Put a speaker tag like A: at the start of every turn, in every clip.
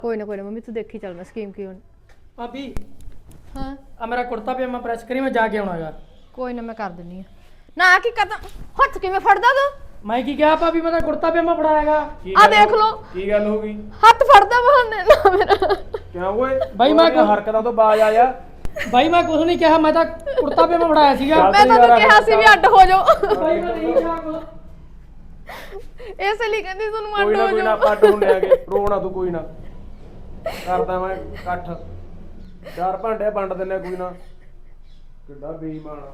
A: ਕੋਈ ਨਾ ਮੰਮੀ ਤੂੰ ਦੇਖੀ ਚੱਲ ਮੈਂ ਸਕੀਮ ਕੀ ਹੋਣੀ।
B: ਭਾਬੀ
A: ਹਾਂ
B: ਆ ਮੇਰਾ ਕੁੜਤਾ ਪਜਾਮਾ ਪ੍ਰੈਸ ਕਰੀ, ਮੈਂ ਜਾ ਕੇ ਆਉਣਾਗਾ।
A: ਕੋਈ ਨਾ ਮੈਂ ਕਰ ਦਿੰਨੀ ਆ। ਨਾ ਕੀ ਕਰਦਾ, ਹੱਥ ਕਿਵੇਂ ਫੜਦਾ ਤੂੰ?
B: ਮੈਂ ਕੀ ਕਿਹਾ ਭਾਬੀ, ਮੈਂ ਤਾਂ ਕੁੜਤਾ ਪਜਾਮਾ ਫੜਾਇਆਗਾ।
A: ਆ ਦੇਖ ਲੋ
C: ਕੀ ਗੱਲ ਹੋ ਗਈ?
A: ਹੱਥ ਫੜਦਾ ਬਹਾਨੇ ਨਾ ਮੇਰਾ।
C: ਕਿਉਂ ਓਏ
B: ਬਾਈ ਮੈਂ
C: ਹਰਕਤਾਂ ਤੋਂ ਬਾਜ ਆਇਆ।
B: ਬਾਈ ਮੈਂ ਕੁਝ ਨਹੀਂ ਕਿਹਾ, ਮੈਂ ਤਾਂ ਕੁੜਤਾ ਪਜਾਮਾ ਫੜਾਇਆ ਸੀਗਾ।
A: ਮੈਂ ਤੁਹਾਨੂੰ ਕਿਹਾ ਸੀ ਵੀ ਅੱਡ ਹੋ ਜਾਓ।
B: ਬਾਈ ਮੈਂ ਨਹੀਂ ਕਿਹਾ ਕੁਛ।
A: ਇਸੇ ਲਈ ਕਹਿੰਦੀ ਤੁਹਾਨੂੰ
C: ਕੋਈ
A: ਅੱਡ
C: ਨਾ
A: ਹੋ
C: ਕੋਈ ਨਾ
A: ਜਾਓ।
C: ਪੱਟ ਹੁੰਨੇ ਆਗੇ, ਰੋਣਾ ਤੂੰ ਕੋਈ ਨਾ। ਕਰਦਾ ਮੈਂ ਇਕੱਠ, 4 ਭਾਂਡੇ ਵੰਡ ਦਿੰਨੇ ਕੋਈ ਨਾ। ਕਿੱਡਾ ਬੇਈਮਾਨ ਆ।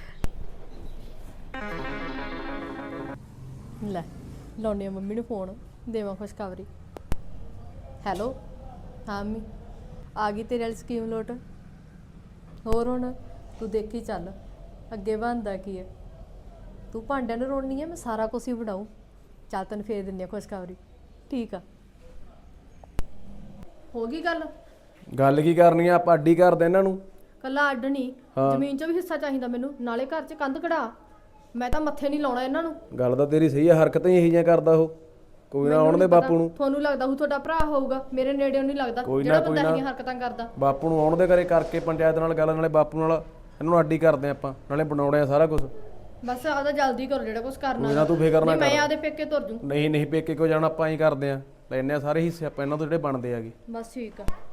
A: ਲੈ ਲਾਉਣੀ ਆ ਮੰਮੀ ਨੂੰ ਫੋਨ, ਦੇਵਾਂ ਖੁਸ਼ਖਬਰੀ। ਹੈਲੋ ਹਾਂ ਮੰਮੀ, ਆ ਗਈ ਤੇਰੇ ਵਾਲੀ ਸਕੀਮ ਲੋਟ। ਹੋਰ ਹੁਣ ਤੂੰ ਦੇਖੀ ਚੱਲ ਅੱਗੇ ਬਣਦਾ ਕੀ ਹੈ। ਤੂੰ ਭਾਂਡਿਆਂ ਨੂੰ ਰੋਣੀ ਹੈ, ਮੈਂ ਸਾਰਾ ਕੁਝ ਹੀ ਬਣਾਉ। ਚੱਲ ਤੈਨੂੰ ਫੇਰ ਦਿੰਦੀ ਆ ਖੁਸ਼ਖਬਰੀ। ਠੀਕ ਆ, ਹੋ ਗਈ ਗੱਲ।
C: ਗੱਲ ਕੀ ਕਰਨੀ ਆ, ਆਪਾਂ ਅੱਡੀ ਕਰਦੇ ਇਹਨਾਂ ਨੂੰ।
A: ਕੱਲਾ ਅੱਡ ਨਹੀਂ, ਜ਼ਮੀਨ 'ਚ ਵੀ ਹਿੱਸਾ ਚਾਹੀਦਾ ਮੈਨੂੰ, ਨਾਲੇ ਘਰ 'ਚ ਕੰਧ ਕਢਾ। ਮੈਂ ਤਾਂ ਮੱਥੇ ਨਹੀਂ ਲਾਉਣਾ ਇਹਨਾਂ ਨੂੰ।
C: ਗੱਲ ਤਾਂ ਤੇਰੀ ਸਹੀ ਆ, ਹਰਕਤਾਂ ਹੀ ਇਹੋ ਜਿਹੀਆਂ ਕਰਦਾ ਉਹ। ਕੋਈ ਨਾ ਆਉਣ ਦੇ ਬਾਪੂ ਨੂੰ।
A: ਤੁਹਾਨੂੰ ਲੱਗਦਾ ਉਹ ਤੁਹਾਡਾ ਭਰਾ ਹੋਊਗਾ, ਮੇਰੇ ਨੇੜਿਓਂ ਨਹੀਂ ਲੱਗਦਾ ਜਿਹੜਾ ਬੰਦਾ ਇਹੋ ਜਿਹੀਆਂ ਹਰਕਤਾਂ ਕਰਦਾ।
C: ਬਾਪੂ ਨੂੰ ਆਉਣ ਦੇ ਘਰੇ ਕਰਕੇ ਪੰਚਾਇਤ ਨਾਲ ਗੱਲ, ਨਾਲੇ ਬਾਪੂ ਨਾਲ ਇਹਨਾਂ ਨੂੰ ਅੱਡੀ ਕਰਦੇ ਆਪਾਂ, ਨਾਲੇ ਬਣਾਉਣੇ ਆ ਸਾਰਾ ਕੁਝ।
A: ਬਸ ਆਦਾ ਜਲਦੀ ਕਰੋ ਜਿਹੜਾ ਕੁਝ ਕਰਨਾ।
C: ਕੋਈ ਨਾ ਤੂੰ ਫਿਕਰ ਨਾ ਕਰ।
A: ਮੈਂ ਆਦੇ ਪੇਕੇ ਤੁਰ ਜੂ।
C: ਨਹੀਂ ਪੇਕੇ ਕੋ ਜਾਣਾ, ਆਪਾਂ ਹੀ ਕਰਦੇ ਆ, ਲੈਣੇ ਆ ਸਾਰੇ ਹਿੱਸੇ ਆਪਾਂ ਇਹਨਾਂ ਤੋਂ ਜਿਹੜੇ ਬਣਦੇ ਆਗੇ।
A: ਬਸ ਠੀਕ ਆ।